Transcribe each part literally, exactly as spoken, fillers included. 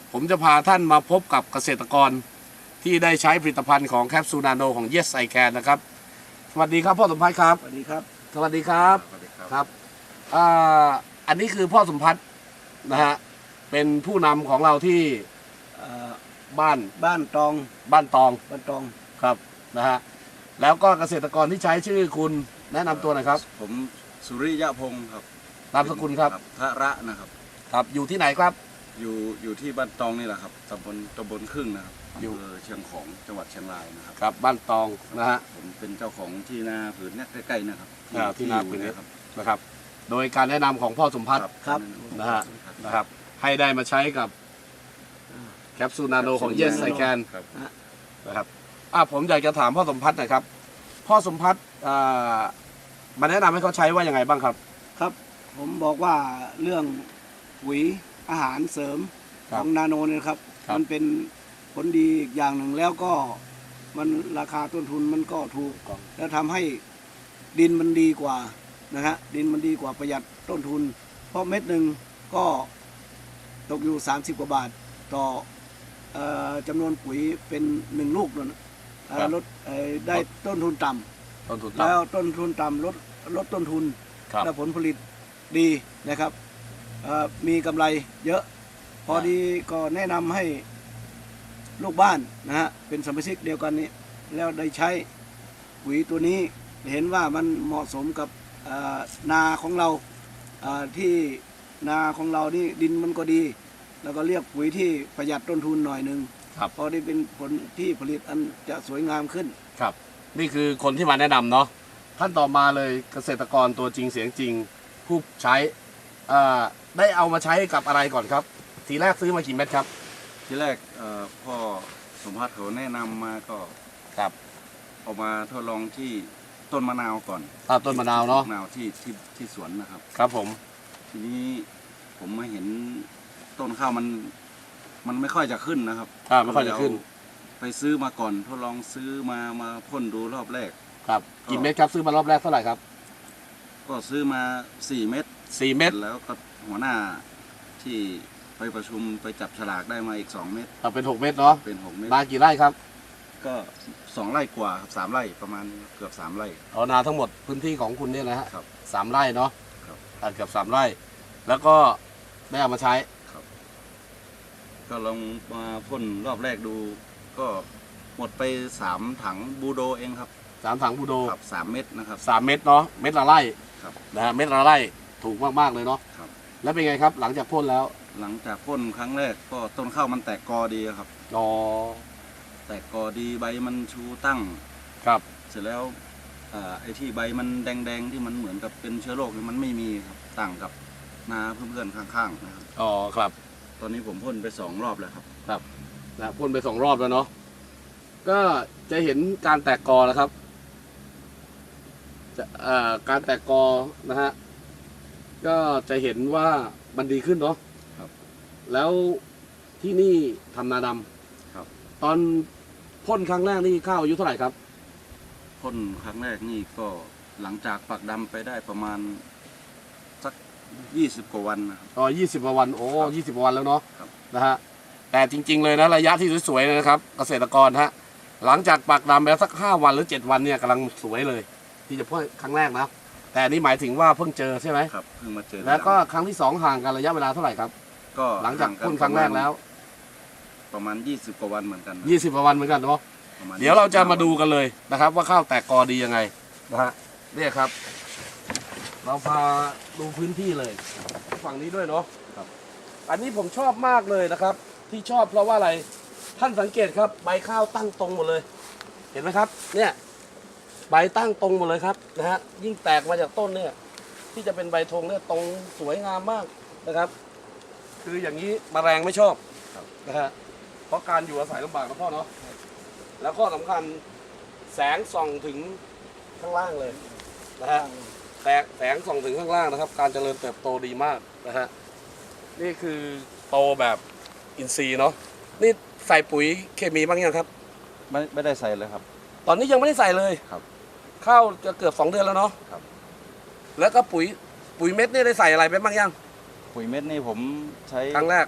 ผมจะพาท่านมาพบกับเกษตรกรที่ได้ใช้ผลิตภัณฑ์ของแคปซูลนาโนของ Yes I Can นะครับสวัสดีครับพ่อสมพัฒน์ครับสวัสดีครับสวัสดีครับครับอ่าอันนี้คือพ่อสมพัฒน์นะฮะเป็นผู้นำของเราที่บ้านบ้านตองบ้านตองบ้านตองครับนะฮะแล้วก็เกษตรกรที่ใช้ชื่อคุณแนะนำตัวหน่อยครับผมสุริยะพงศ์ครับนามสกุลครับพระระนะครับครับอยู่ที่ไหนครับอยู่อยู่ที่บ้านตองนี่แหละครับตำบลตำบลครึ่งนะครับอยู่เชียงของจังหวัดเชียงรายนะครับครับบ้านตองนะฮะผมเป็นเจ้าของที่นาผืนนี้ใกล้ๆนะครับที่นาผืนนี้นะครับโดยการแนะนำของพ่อสมพัฒน์ครับนะฮะนะครับให้ได้มาใช้กับแคปซูลนาโนของ Yes I Can นะครับอ่ะผมอยากจะถามพ่อสมพัฒน์หน่อยครับพ่อสมพัฒน์มาแนะนำให้เขาใช้ว่ายังไงบ้างครับครับผมบอกว่าเรื่องปุ๋ยอาหารเสริมของนาโนเนี่ยครับมันเป็นผลดีอีกอย่างหนึ่งแล้วก็มันราคาต้นทุนมันก็ถูกแล้วทำให้ดินมันดีกว่านะฮะดินมันดีกว่าประหยัดต้นทุนเพราะเม็ดหนึ่งก็ตกอยู่สามสิบกว่าบาทต่อจำนวนปุ๋ยเป็นหนึ่งลูกนั่นลดได้ต้นทุนต่ำแล้วต้นทุนต่ำลดลดต้นทุนและผลผลิตดีนะครับมีกำไรเยอะพอดีก็แนะนำให้ลูกบ้านนะฮะเป็นสมาชิกเดียวกันนี้แล้วได้ใช้ปุ๋ยตัวนี้เห็นว่ามันเหมาะสมกับนาของเราที่นาของเรานี่ดินมันก็ดีแล้วก็เรียกปุ๋ยที่ประหยัดต้นทุนหน่อยหนึ่งพอได้เป็นผลที่ผลิตอันจะสวยงามขึ้นครับนี่คือคนที่มาแนะนำเนาะท่านต่อมาเลยเกษตรกรตัวจริงเสียงจริงผู้ใช้ได้เอามาใช้กับอะไรก่อนครับทีแรกซื้อมากี่เม็ดครับทีแรกพ่อสมพัฒน์เขาแนะนำมาก็ครับเอามาทดลองที่ต้นมะนาวก่อนต้นมะนาวเนาะมะนาวที่ที่ที่สวนนะครับครับผมทีนี้ผมมาเห็นต้นข้าวมันมันไม่ค่อยจะขึ้นนะครับไม่ค่อยจะขึ้นไปซื้อมาก่อนทดลองซื้อมามาพ่นดูรอบแรกครับกี่เม็ดครับซื้อมารอบแรกเท่าไหร่ครับก็ซื้อมาสี่เม็ดสี่เม็ดแล้วก็หัวหน้าที่ไปประชุมไปจับฉลากได้มาอีกสองเม็ดเป็นหกเม็ดเนาะเป็นหกเม็ดนากี่ไร่ครับก็สองไร่กว่าครับสามไร่ประมาณเกือบสามไร่อ๋อนาทั้งหมดพื้นที่ของคุณเนี่ยนะฮะครับสามไร่เนาะครับเกือบสามไร่แล้วก็ได้เอามาใช้ครับก็ลองมาพ่นรอบแรกดูก็หมดไปสามถังบูโดเองครับสามถังบูโดครับสามเม็ดนะครับสามเม็ดเนาะเม็ดละไร่ครับนะฮะเม็ดละไร่ถูกมากๆเลยเนาะครับแล้วเป็นไงครับหลังจากพ่นแล้วหลังจากพ่นครั้งแรกก็ต้นข้าวมันแตกกอดีครับอ๋อแตกกอดีใบมันชูตั้งครับเสร็จแล้วไอ้ที่ใบมันแดงๆที่มันเหมือนกับเป็นเชื้อโรคมันไม่มีครับต่างกับนาเพื่อนๆข้างๆนะครับอ๋อครับตอนนี้ผมพ่นไปสองรอบแล้วครับครับนะพ่นไปสองรอบแล้วเนาะก็จะเห็นการแตกกอแล้วครับจะการแตกกอนะฮะก็จะเห็นว่ามันดีขึ้นเนาะครับแล้วที่นี่ทำนาดำครับตอนพ่นครั้งแรกนี่ข้าวอายุเท่าไหร่ครับพ่นครั้งแรกนี่ก็หลังจากปักดำไปได้ประมาณสักยี่สิบกว่าวันนะอ๋อยี่สิบกว่าวันโอ้ยี่สิบกว่าวันแล้วเนาะนะฮะแต่จริงๆเลยนะระยะที่สวยๆนะครับเกษตรกรฮะหลังจากปักดำไปแล้วสักห้าวันหรือเจ็ดวันเนี่ยกำลังสวยเลยที่จะพ่นครั้งแรกนะแต่นี่หมายถึงว่าเพิ่งเจอใช่ไหมครับเพิ่งมาเจอแล้วก็ครั้งที่สองห่างกันระยะเวลาเท่าไหร่ครับก็หลังจากพ่นครั้งแรกแล้วประมาณยี่สิบกว่าวันเหมือนกันยี่สิบกว่าวันเหมือนกันเนาะเดี๋ยวเราจะมาดูกันเลยนะครับว่าข้าวแตกกอดียังไงนะฮะเนี่ยครับเราพาดูพื้นที่เลยฝั่งนี้ด้วยเนาะครับอันนี้ผมชอบมากเลยนะครับที่ชอบเพราะว่าอะไรท่านสังเกตครับใบข้าวตั้งตรงหมดเลยเห็นไหมครับเนี่ยใบตั้งตรงหมดเลยครับนะฮะยิ่งแตกมาจากต้นเนี่ยที่จะเป็นใบธงเนี่ยตรงสวยงามมากนะครับคืออย่างนี้แมลงไม่ชอบนะฮะเพราะการอยู่อาศัยลำบากนะพ่อเนาะแล้วก็สำคัญแสงส่องถึงข้างล่างเลยนะฮะแสงแสงส่องถึงข้างล่างนะครับการเจริญเติบโตดีมากนะฮะนี่คือโตแบบอินทรีย์เนาะนี่ใส่ปุ๋ยเคมีบ้างยังครับไม่ไม่ได้ใส่เลยครับตอนนี้ยังไม่ได้ใส่เลยครับข้าวจะเกือบสองเดือนแล้วเนาะครับแล้วก็ปุ๋ยปุ๋ยเม็ดนี่ได้ใส่อะไรไปบ้างยังปุ๋ยเม็ดนี่ผมใช้ครั้งแรก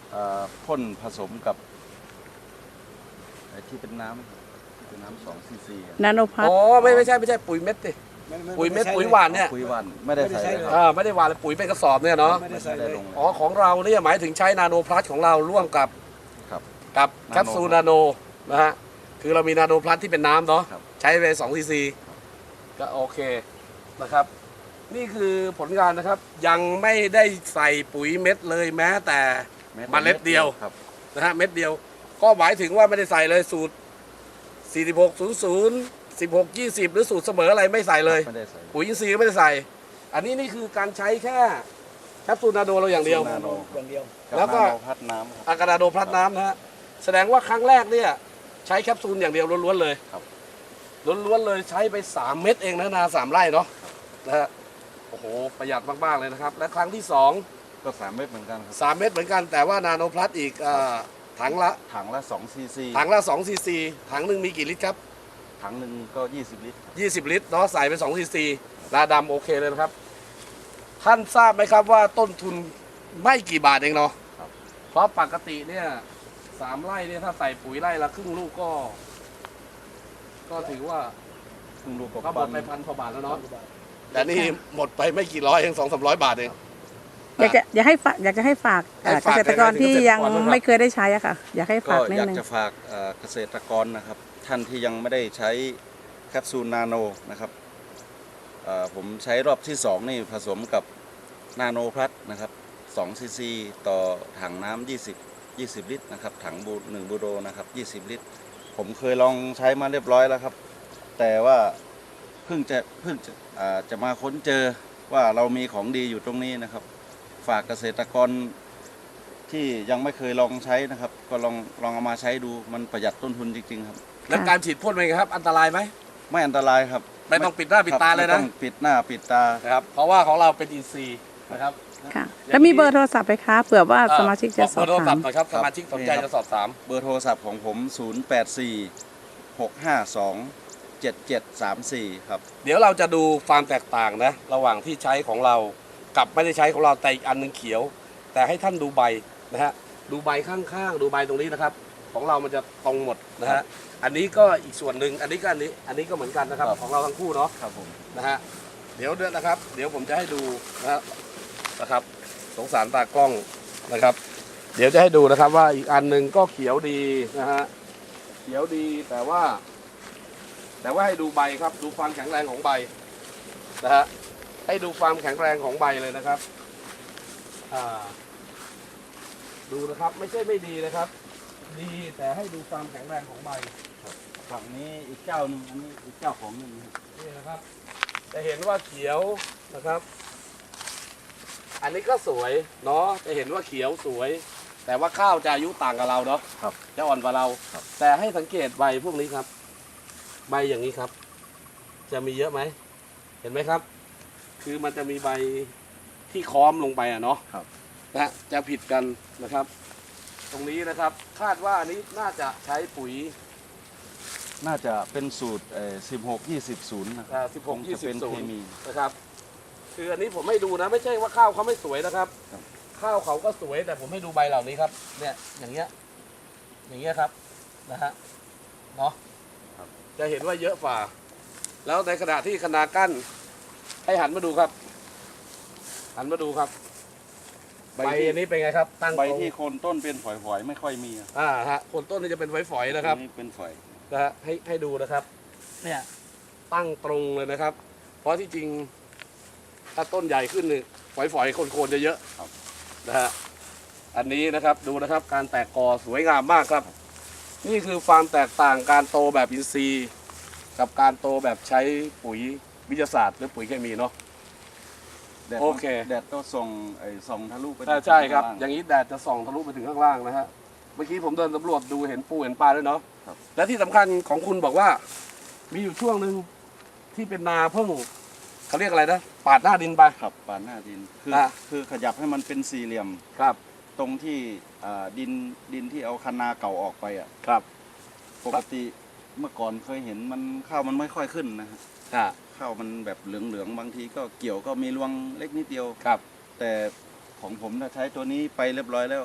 เอ่อพ่นผสมกับไอ้ที่เป็นน้ำเป็นน้ำสองซีซีนาโนพัทอ๋อไม่ไม่ใช่ไม่ใช่ปุ๋ยเม็ดดิปุ๋ยเม็ดปุ๋ยหวานเนี่ยปุ๋ยหวานไม่ได้ใส่เลยครับอ่าไม่ได้หวานเลยปุ๋ยเป็นกระสอบเนี่ยเนาะไม่ได้ใส่เลยลงอ๋อของเราเนี่ยหมายถึงใช้นาโนพลัสของเราร่วมกับครับกับนาโนแคปซูลนาโนนะฮะคือเรามีนาโนพลัสที่เป็นน้ำเนาะครับใช้ไปสองซีซีก็โอเคนะครับ นี่คือผลงานนะครับยังไม่ได้ใส่ปุ๋ยเม็ดเลยแม้แต่ เมล็ดเดียวครับนะฮะเม็ดเดียวก็หมายถึงว่าไม่ได้ใส่เลยสูตร สี่สิบหก ศูนย์ ศูนย์ สิบหก ยี่สิบ หรือสูตรเสมออะไรไม่ใส่เลยไม่ได้ใส่ปุ๋ยอินทรีย์ก็ไม่ได้ใส่ อันนี้นี่คือการใช้แค่แคปซูลนาโนเราอย่างเดียวนาโนอย่างเดียวแล้วก็นาโนพัดน้ำครับอากานาโดพลัดน้ำนะฮะแสดงว่าครั้งแรกเนี่ยใช้แคปซูลอย่างเดียวล้วนๆเลยครับล้วนๆเลยใช้ไปสามเม็ดเองนะนาสามไร่เนาะนะฮะโอ้โหประหยัดมากๆเลยนะครับและครั้งที่สองก็สามเม็ดเหมือนกันครับสามเม็ดเหมือนกันแต่ว่านาโนพลัสอีกอ่าถังละถังละสองซีซีถังละสองซีซีถังหนึ่งมีกี่ลิตรครับถังหนึ่งก็ยี่สิบลิตรยี่สิบลิตรเนาะใส่ไปสองซีซีนาดำโอเคเลยนะครับ ท่านทราบไหมครับว่าต้นทุนไม่กี่บาทเองเนาะครับเพราะปกติเนี่ยสามไร่เนี่ยถ้าใส่ปุ๋ยไร่ละครึ่งลูกก็ ก็ถือว่าครึ่งลูกก็หมดไปพันกว่าบาทแล้วเนาะแต่นี่หมดไปไม่กี่ร้อยเองสองสามร้อยบาทเองอยากจะอยากให้ฝากอยากจะให้ฝากให้เอ่อฝากเกษตรกรที่ยังเกษตรกรด้วยครับไม่เคยได้ใช้อะค่ะ อยากให้ก็ฝากนิดอยากนึงจะฝากเอ่อเกษตรกรนะครับ ท่านที่ยังไม่ได้ใช้แคปซูลนาโนนะครับเอ่อผมใช้รอบที่สองนี่ผสมกับนาโนพลัสนะครับสองซีซีต่อถังน้ำยี่สิบ ยี่สิบลิตรนะครับถังบูหนึ่งบูโดนะครับยี่สิบลิตร ผมเคยลองใช้มาเรียบร้อยแล้วครับ แต่ว่าเพิ่งจะเพิ่งจะอ่าจะมาค้นเจอว่าเรามีของดีอยู่ตรงนี้นะครับ ฝากเกษตรกรที่ยังไม่เคยลองใช้นะครับ ก็ลองลองเอามาใช้ดูมันประหยัดต้นทุนจริงๆครับแล้วการฉีดพ่นเป็นไงครับ อันตรายไหมไม่อันตรายครับไม่ต้องปิดหน้าปิดตาเลยไม่นะต้องปิดหน้าปิดตานะครับเพราะว่าของเราเป็นอินทรีย์นะครับค่ะ แล้วมีเบอร์โทรศัพท์ไหมคะเผื่อว่าสมาชิกจะสอบเบอร์โทรศัถาพมท์หน่อยครับสมาชิกสนใจจะสอบถามเบอร์โทรศัพท์ของผม ศูนย์ แปด สี่ หก ห้า สอง เจ็ด เจ็ด สาม สี่ ครับเดี๋ยวเราจะดูความแตกต่างนะระหว่างที่ใช้ของเรากับไม่ได้ใช้ของเราแต่อีกอันหนึงเขียว แต่ให้ท่านดูใบนะฮะดูใบข้างๆดูใบตรงนี้นะครับ ของเรามันจะตรงหมดนะฮะอันนี้ก็อีกส่วนหนึ่งอันนี้ก็อันนี้อันนี้ก็เหมือนกันนะครับครับของเราทั้งคู่เนาะครับผมนะฮะเดี๋ยวเดือนนะครับ เดี๋ยวผมจะให้ดูนะฮะนะครับสงสารตากล้องนะครับ เดี๋ยวจะให้ดูนะครับว่าอีกอันหนึ่งก็เขียวดีนะฮะเขียวดีแต่ว่า แต่ว่าให้ดูใบครับดูความแข็งแรงของใบนะฮะให้ดูความแข็งแรงของใบเลยนะครับอ่าดูนะครับไม่ใช่ไม่ดีนะครับ ดีแต่ให้ดูความแข็งแรงของใบฝั่งนี้อีกเจ้าหนึงอันนี้อีกเจ้าของหนึงครับนี่นะครับจะเห็นว่าเขียวนะครับ อันนี้ก็สวยเนาะจะเห็นว่าเขียวสวย แต่ว่าข้าวจะอายุต่างกับเราเนาะครับจะอ่อนกว่าเราครับแต่ให้สังเกตใบพวกนี้ครับ ใบอย่างนี้ครับ จะมีเยอะไหมเห็นไหมครับ คือมันจะมีใบที่ค้อมลงไปอ่ะเนาะครับนะฮะจะผิดกันนะครับ ตรงนี้นะครับ คาดว่าอันนี้น่าจะใช้ปุ๋ยน่าจะเป็นสูตรเอ่อสิบหก ยี่สิบ ศูนย์นะคอ่ารับสิบหกคงยี่จะสิบเป็นศูเคนย์มีนะครับ คืออันนี้ผมให้ดูนะ ไม่ใช่ว่าข้าวเขาไม่สวยนะครับครับข้าวเขาก็สวยแต่ผมให้ดูใบเหล่านี้ครับ เนี่ยอย่างเงี้ยอย่างเงี้ยครับนะฮะเนาะจะเห็นว่าเยอะฝ่า แล้วในขณะที่คณากั้นให้หันมาดูครับ หันมาดูครับ ใบอันนี้เป็นไงครับ ตั้งใบตรงที่โคนต้นเป็นฝอยๆไม่ค่อยมีอะอ่าฮะคนต้นนี่จะเป็นฝอยๆนะครับอันี่เป็นฝอยนะฮะให้ให้ดูนะครับ เนี่ยตั้งตรงเลยนะครับ เพราะที่จริงถ้าต้นใหญ่ขึ้นนี่ฝอยๆโคนๆจะเยอะนะฮะอันนี้นะครับดูนะครับการแตกกอสวยงามมากครับ นี่คือความแตกต่างการโตแบบอินทรีย์ กับการโตแบบใช้ปุ๋ยวิทยาศาสตร์หรือปุ๋ยเคมีเนาะแดดโอเคแดดก็ส่องไอ้ส่องทะลุไปใช่ใช่ครับข้างล่างอย่างนี้แดดจะส่องทะลุไปถึงข้างล่างนะฮะเมื่อกี้ผมเดินสำรวจดูเห็นปูเห็นปลาด้วยเนาะครับและที่สำคัญของคุณบอกว่า มีอยู่ช่วงหนึ่งที่เป็นนาเพิ่งเขาเรียกอะไรนะปาดหน้าดินไปครับปานหน้าดินคืออ่ะคือขยับให้มันเป็นสี่เหลี่ยมครับตรงที่อ่าดินดินที่เอาคันนาเก่าออกไปอ่ะครับปกติเมื่อก่อนเคยเห็นมันข้าวมันไม่ค่อยขึ้นนะฮะอ่าข้าวมันแบบเหลืองๆบางทีก็เกี่ยวก็มีรวงเล็กนิดเดียวครับแต่ของผมถ้าใช้ตัวนี้ไปเรียบร้อยแล้ว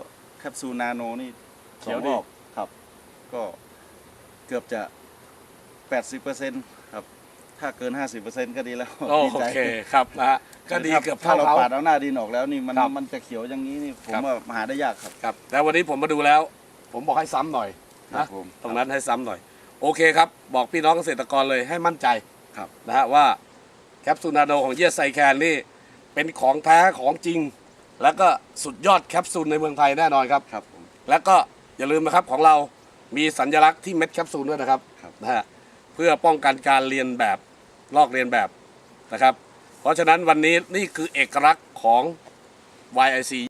คปซูลนาโนนี่สเขีอย งวดีรอบครับ ก็เกือบจะ แปดสิบเปอร์เซ็นต์ ครับ ถ้าเกิน ห้าสิบเปอร์เซ็นต์ ก็ดีแล้วโอดีใจเคครับนะฮะก็ดีเกือบถ้าเท่าเราเขาปาดเอาหน้าดินออกแล้วนี่มันครับมันจะเขียวอย่างนี้นี่ผมครับว่าหาได้ยากครับครับแต่วันนี้ผมมาดูแล้ว ผมบอกให้ซ้ำหน่อยครันะบผมตรงนั้นให้ซ้ำหน่อย โอเคครับ บอกพี่น้องเกษตรกรเลยให้มั่นใจครับนะฮะว่าแคปซูลนาโนของเยสไซแคนนี่เป็นของแท้ของจริง แล้วก็สุดยอดแคปซูลในเมืองไทยแน่นอนครับครับผมแล้วก็อย่าลืมนะครับของเรามีสัญลักษณ์ที่เม็ดแคปซูลด้วยนะครับครับนะฮะเพื่อป้องกันการเรียนแบบลอกเรียนแบบนะครับ เพราะฉะนั้นวันนี้นี่คือเอกลักษณ์ของ วาย ไอ ซี